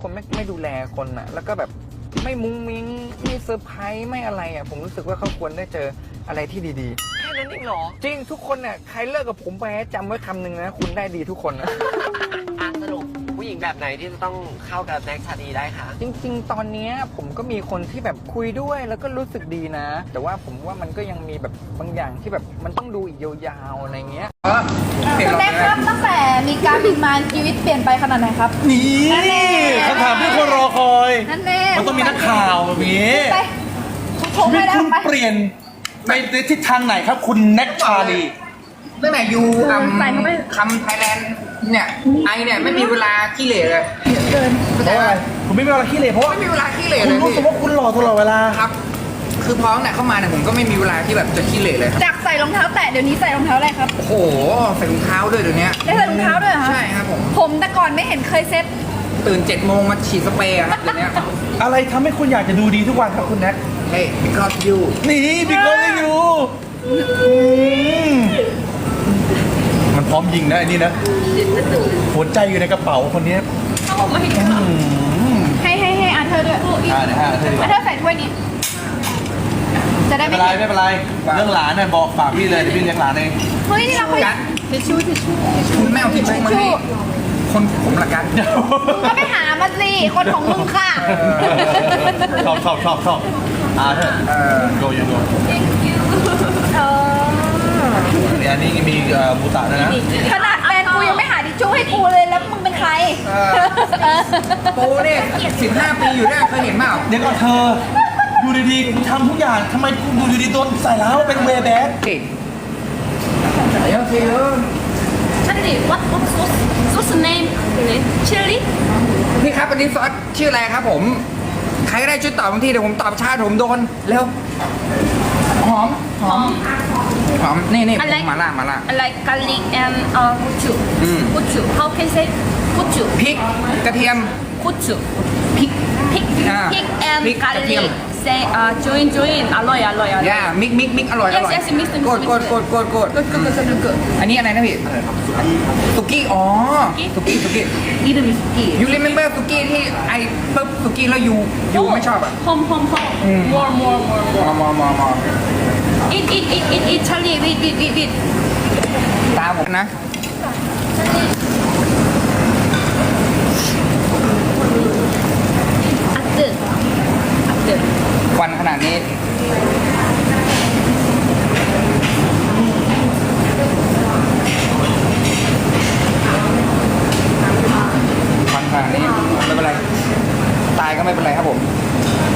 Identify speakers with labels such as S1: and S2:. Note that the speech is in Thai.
S1: คนไม่ดูแลคนอ่ะแล้วก็แบบไม่มุ้งมิ้งไม่เซอร์ไพรส์ไม่อะไรอ่ะผมรู้สึกว่าเขาควรได้เจออะไรที่ดีๆ
S2: แค่นั้นเองเหรอ
S1: จริงทุกคนเนี่ยใครเลิกกับผมไปจำไว้คำหนึ่งนะคุณได้ดีทุกคนนะ
S2: สรุปผู้หญิงแบบไหนที่จะต้องเข้ากับแน็กชาลีได้คะ
S1: จริงๆ ตอนนี้ผมก็มีคนที่แบบคุยด้วยแล้วก็รู้สึกดีนะ แต่ว่าผมว่ามันก็ยังมีแบบบางอย่างที่แบบมันต้องดูอีกยาวๆอะไรเงี้ย
S3: คุณแม่ครับตั้งแต่มีการบินมาชีวิตเปลี่ยนไปขนาดไหนครับ
S4: นี่คำถามที่คนรอคอย
S3: นั่นแน่
S4: มันต้องมีนักข่าวแบบนี้
S3: ไปชม
S4: ชีวิ
S3: ไป
S4: ต
S3: แล้ว
S4: คุณ
S3: ไป
S4: เปลี่ยนไปในทิศทางไหนครับ คุณแน็กชาลี
S1: ตั้งแต่ยูคำไทยแลนด์เนี่ยไอเนี่ยไม่มีเวลาขี้เหร่เลย
S4: เพราะอะไรผมไม่มีเวลาขี้เหร่เพราะว่า
S1: ไม่มีเวลาขี้เหร่
S4: คุ
S1: เล
S4: ณ
S1: ย
S4: รู้
S1: พี่
S4: สึกว่าคุณหล่อตลอดเวลา
S1: ครับ คือพอตั้งแต่เข้ามาเนี่ยผมก็ไม่มีเวลาที่แบบจะขี้เหร่เลยครับ
S3: จากใส่รองเท้าแตะเดี๋ยวนี้ใส่รองเท้าอะไรครับ
S1: โอ้โหใส่รองเท้าด้วยเดี๋ยวนี้
S3: ได้ใส่รองเท้าด้วยเหรอคะ
S1: ใช่ครับผม
S3: ผมแต่ก่อนไม่เห็นเคยเซ็ต
S1: ตื่น7 โมงมาฉีดสเปรย์อะครับเดี๋ยวนี้
S4: อะไรทำให้คุณอยากจะดูดีทุกวันครับคุณแน็ก
S1: เฮ้ย because you
S4: นี่บิ๊กโลเลยอยู่มันพร้อมยิงนะไอ้นี่นะหัวใจอยู่ในกระเป๋าคนนี้
S3: ให้อาเธอร์ด้วย
S4: เดี๋ยวให้อาเธอร์ดีก
S3: อา
S4: ว่า
S3: เธอร์ใส่ถ้วยนี้ จะได้
S4: ไม่
S3: ไม่
S4: เป็นไร
S3: เห็น
S4: ไม่เป็นไรเรื่องหลานเนี่ยบอกฝากพี่เลยเดี๋ยวพี่เลี้ยงหลานเอง
S3: เฮ้ยนี่เราคุย
S1: กัน
S3: ทิชชู่
S1: คุณแม่เอาทิชชู่มาให้คนผมละกัน
S3: ก็ไปหามาสิคนของมึงค่ะ
S4: ชอบอาเธอร์โยโย่
S3: เออ
S4: อันนี้มีบูตะด้วยนะ
S3: ขนาดแฟนกูยังไม่หาทิชชู่ให้กูเลยแล้วมึงเป็นใคร
S1: โปเนี่ย15 ปีอยู่ได้เคยเห็นเปล่า
S4: เดี๋ยวก่อนเธอดูดีๆคุณทำทุกอย่างทำไมคุณดูดีๆตัวใส่แล้วเป็นเวย์แบ็ค
S1: เก่งโอเค
S5: Charlie, what sauce? Sauce name? Chili?
S1: พี่ครับอันนี้ซอสชื่ออะไรครับผม ใครก็ได้ช่วยตอบบางทีเดี๋ยวผมตอบช้าเดี๋ยวผมโดนเร็วหอมนี่ผมมาล่า
S5: I like garlic and gochu. Gochu. How can say gochu?
S1: พริกกระเทียม
S5: Gochu.
S1: พริก
S5: Pig.
S1: Ah.
S5: Pig and
S1: Pig,
S5: garlic.
S1: katiam.
S5: Say join. Alloy.
S1: ย่ามิกอร่อย
S5: Yes, mix.
S1: กด
S5: Good.
S1: อันนี้อะไรนะพี่สุกี้อ๋อสุกี้
S5: I름 is ski.
S1: you remember สุกี้ที่ไอ้ปึ๊บสุกี้แล้วยูไม่ชอบอ่ะ
S5: Home. More.
S1: มอ
S5: Eat. Charlie, eat.
S1: ตาผมนะ
S5: After.
S1: ควันขนาดนี้ควันขนาดนี้ไม่เป็นไรตายก็ไม่เป็นไรครับผม